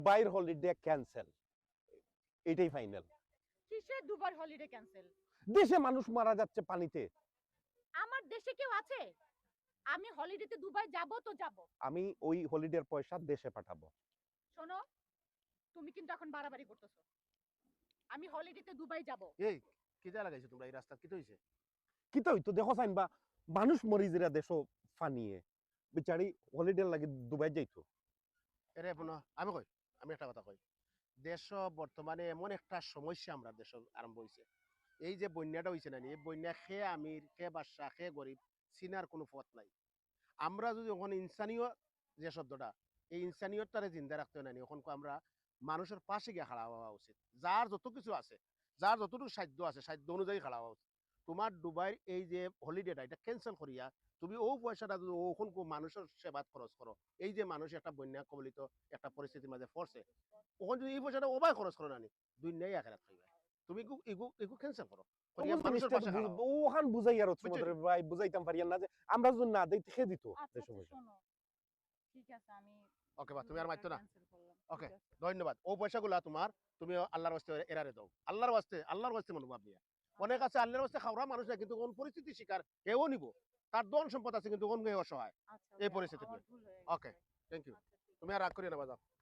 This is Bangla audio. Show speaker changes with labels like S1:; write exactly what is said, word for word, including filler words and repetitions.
S1: বাইর হলিডে ক্যান্সেল, এটাই ফাইনাল।
S2: কিসের দুবার হলিডে ক্যান্সেল?
S1: দেশে মানুষ মারা যাচ্ছে পানিতে।
S2: আমার দেশে কেউ আছে? আমি হলিডেতে দুবাই যাব তো যাব।
S1: আমি ওই হলিডের পয়সা দেশে পাঠাবো।
S2: শোনো, তুমি কিন্তু এখন বাড়াবাড়ি করতেছো। আমি হলিডেতে দুবাই যাব।
S3: এই কি যা লাগাইছো তোমরা এই রাস্তা কি হইছে?
S1: কি তো হইতো দেখো চাইন বা মানুষ মরি যেরা দেশও ফানিয়ে বিচারি হলিডে লাগে দুবাই যাইতো।
S3: এরে পুনঃ আমি কই আমি একটা কথা কই, দেশ বর্তমানে এমন একটা সমস্যা আমরা দেশ আরম্ভ হয়েছে। এই যে বন্যাটা হয়েছে না এই বন্যা খে আমির খে বাদশা খে গরিব চিনার কোনো পথ নাই। আমরা যদি ওখানে ইনসানীয় যে শব্দটা এই ইনসানিয়তটারে জিন্দা রাখতে হয় না ওখান আমরা মানুষের পাশে গিয়ে খাড়া হওয়া উচিত। যার যত কিছু আছে, যার যতটুকু সাধ্য আছে সাধ্য অনুযায়ী খাড়া হওয়া উচিত। তোমার দুবাইয়ের এই যে হলিডেটা এটা ক্যান্সেল করিয়া তুমি ও পয়সাটা যদি ওখান মানুষের সেবাত খরচ করো, এই যে মানুষ একটা বন্যা কবলিত একটা পরিস্থিতির মাঝে পড়ছে, ওখানে যদি এই পয়সাটা ওবাই খরচ করো না দুনিয়ায় আখেরাত খাইবা। তুমি এগু এগু এগু ক্যান্সেল করো।
S1: ওখান বুঝাই আর তোমাদের ভাই বুঝাইতাম পারিয়া না যে আমরা যদি না দেই খেয়ে দিত।
S2: শোনো, ঠিক আছে আমি
S3: ওকে বা তুমি আর মাইতো না। ওকে ধন্যবাদ। ও পয়সাগুলা তোমার তুমি আল্লাহর ওয়াস্তে এরারে দাও। আল্লাহর ওয়াস্তে আল্লাহর ওয়াস্তে মনোভাব নিয়া। অনেক আছে আল্লাহর ওয়াস্তে খাওয়া মানুষ না কিন্তু কোন পরিস্থিতি শিকার কেউ নিব। তার ধন সম্পদ আছে কিন্তু কোন অসহায় এই পরিস্থিতি। Okay thank you. তুমি আর রাগ করিও না বাজার।